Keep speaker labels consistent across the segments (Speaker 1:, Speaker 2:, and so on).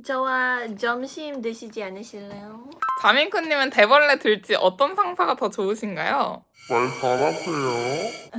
Speaker 1: 저와 점심 드시지 않으실래요?
Speaker 2: 자민쿠님은 대벌레 들지 어떤 상사가 더 좋으신가요?
Speaker 3: 말 잘하세요.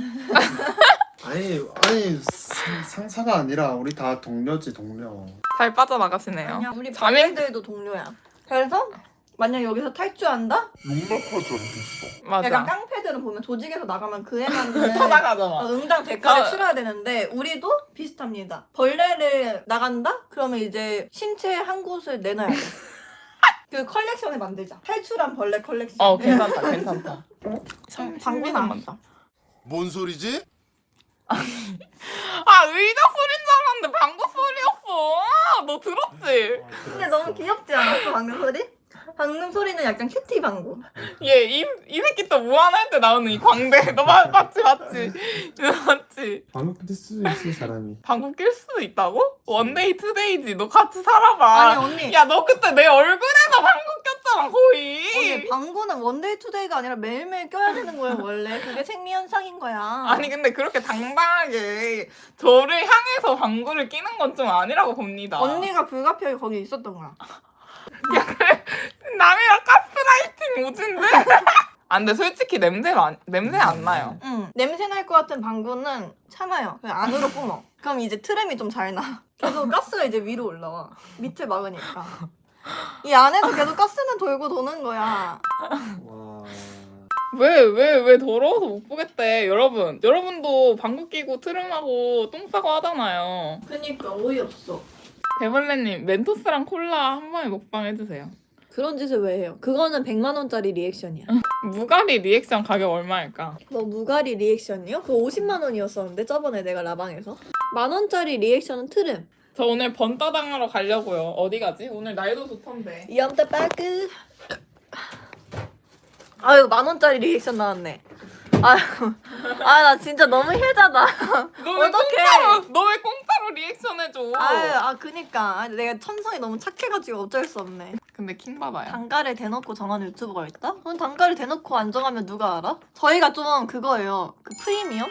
Speaker 4: 아니 상사가 아니라 우리 다 동료지 동료.
Speaker 2: 잘 빠져나가시네요.
Speaker 1: 아니야, 우리
Speaker 2: 자민-
Speaker 1: 자매들도 동료야. 그래서 만약 여기서 탈주한다?
Speaker 3: 용납하지 않겠어.
Speaker 2: 맞아.
Speaker 1: 약간 깡패들은 보면 조직에서 나가면 그 애만은
Speaker 2: 쳐나가잖아.
Speaker 1: 응당 대가를
Speaker 2: 어.
Speaker 1: 치러야 되는데 우리도 비슷합니다. 벌레를 나간다? 그러면 이제 신체 한 곳을 내놔야 돼. 그 컬렉션을 만들자. 탈출한 벌레 컬렉션.
Speaker 2: 괜찮다, 괜찮다.
Speaker 1: 방구 나왔다.
Speaker 3: 뭔 소리지?
Speaker 2: 아, 의자 소리인 줄 알았는데 방구 소리였어. 너 들었지?
Speaker 1: 근데 너무 귀엽지 않았어 방금 소리? 방금 소리는 약간 큐티 방구.
Speaker 2: 이 새끼 또 무한할 때 나오는 이 광대. 너 맞지? 이거 맞지?
Speaker 4: 방금 낄 수도 있어 사람이.
Speaker 2: 방구 낄 수도 있다고? 원데이 투데이지. 너 같이 살아봐.
Speaker 1: 아니 언니.
Speaker 2: 야, 너 그때 내 얼굴에다 방구 꼈잖아, 거의.
Speaker 1: 언니 방구는 원데이 투데이가 아니라 매일매일 껴야 되는 거예요 원래. 그게 생리현상인 거야.
Speaker 2: 아니 근데 그렇게 당당하게 저를 향해서 방구를 끼는 건 좀 아니라고 봅니다.
Speaker 1: 언니가 불가피하게 거기 있었던 거야.
Speaker 2: 야 그래 남이랑 가스라이팅 오진데? 아 근데 솔직히 냄새 안 나요.
Speaker 1: 응. 냄새 날 것 같은 방구는 참아요. 그냥 안으로 뿜어. 그럼 이제 트램이 좀 잘 나. 계속 가스가 이제 위로 올라와. 밑을 막으니까. 이 안에서 계속 가스는 돌고 도는 거야.
Speaker 4: 와.
Speaker 2: 왜 더러워서 못 보겠대. 여러분도 방구 끼고 트름하고 똥 싸고 하잖아요.
Speaker 1: 그니까 어이없어.
Speaker 2: 대벌레님 멘토스랑 콜라 한 번에 먹방 해주세요.
Speaker 1: 그런 짓을 왜 해요? 그거는 100만 원짜리 리액션이야.
Speaker 2: 무가리 리액션 가격 얼마일까?
Speaker 1: 뭐 무가리 리액션이요? 그거 50만 원이었었는데 저번에 내가 라방에서. 10,000원짜리 리액션은 트름.
Speaker 2: 저 오늘 번따당하러 가려고요. 어디 가지? 오늘 날도 좋던데.
Speaker 1: 염따 빠끄. 아유 10,000원짜리 리액션 나왔네. 아유, 나 진짜 너무 혜자다.
Speaker 2: 너 왜 공짜로 리액션 해줘?
Speaker 1: 그니까 내가 천성이 너무 착해가지고 어쩔 수 없네.
Speaker 2: 근데 킹 받아요.
Speaker 1: 단가를 대놓고 정하는 유튜버가 있다? 그럼 단가를 대놓고 안 정하면 누가 알아? 저희가 좀 그거예요. 그 프리미엄?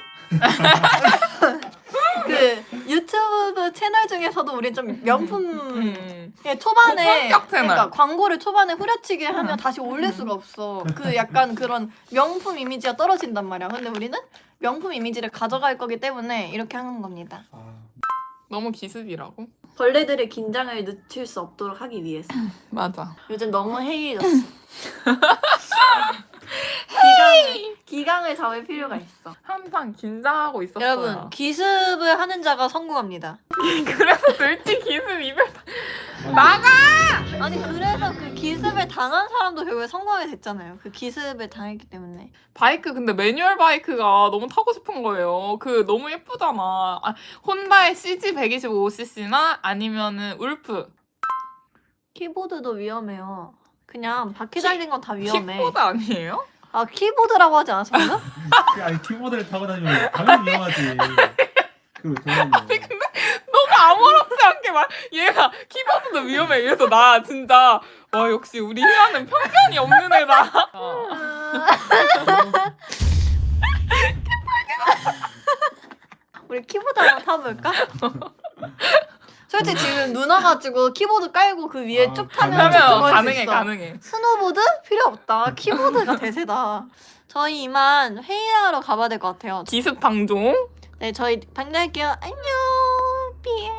Speaker 1: 그 유튜브 채널 중에서도 우리 좀 명품 초반에
Speaker 2: 고품격 채널.
Speaker 1: 그러니까 광고를 초반에 후려치게 하면 다시 올릴 수가 없어. 그 약간 그런 명품 이미지가 떨어진단 말이야. 근데 우리는 명품 이미지를 가져갈 거기 때문에 이렇게 하는 겁니다.
Speaker 2: 너무 기습이라고?
Speaker 1: 벌레들의 긴장을 늦출 수 없도록 하기 위해서.
Speaker 2: 맞아.
Speaker 1: 요즘 너무 해이해졌어. 기강을 잡을 필요가 있어.
Speaker 2: 항상 긴장하고 있었어요.
Speaker 1: 여러분 기습을 하는 자가 성공합니다.
Speaker 2: 그래서 들지 기습 이별 나가!
Speaker 1: 아니 그래서 그 기습을 당한 사람도 결국에 성공하게 됐잖아요. 그 기습을 당했기 때문에.
Speaker 2: 바이크 근데 매뉴얼 바이크가 너무 타고 싶은 거예요. 그 너무 예쁘잖아. 혼다의 CG125cc나 아니면은 울프.
Speaker 1: 키보드도 위험해요. 그냥 바퀴 달린 건 다 위험해.
Speaker 2: 킥보드 아니에요?
Speaker 1: 아 키보드라고 하지 않았었나?
Speaker 4: 아니 키보드를 타고 다니면 당연히 위험하지. 그리고 동현이.
Speaker 2: 너가 아무렇지 않게 얘가 키보드도 위험해. 이래서 나 진짜 와 역시 우리 희아는 편견이 없는 애다.
Speaker 1: 우리 키보드 한번 타볼까? 솔직히 지금 눈 와가지고 키보드 깔고 그 위에 쭉 타면
Speaker 2: 그러면
Speaker 1: 그거 할수
Speaker 2: 가능해
Speaker 1: 있어.
Speaker 2: 가능해.
Speaker 1: 스노보드? 필요 없다. 키보드가 대세다. 저희 이만 회의하러 가봐야 될 것 같아요.
Speaker 2: 기습 방종.
Speaker 1: 네, 저희 방문할게요. 안녕. 삐.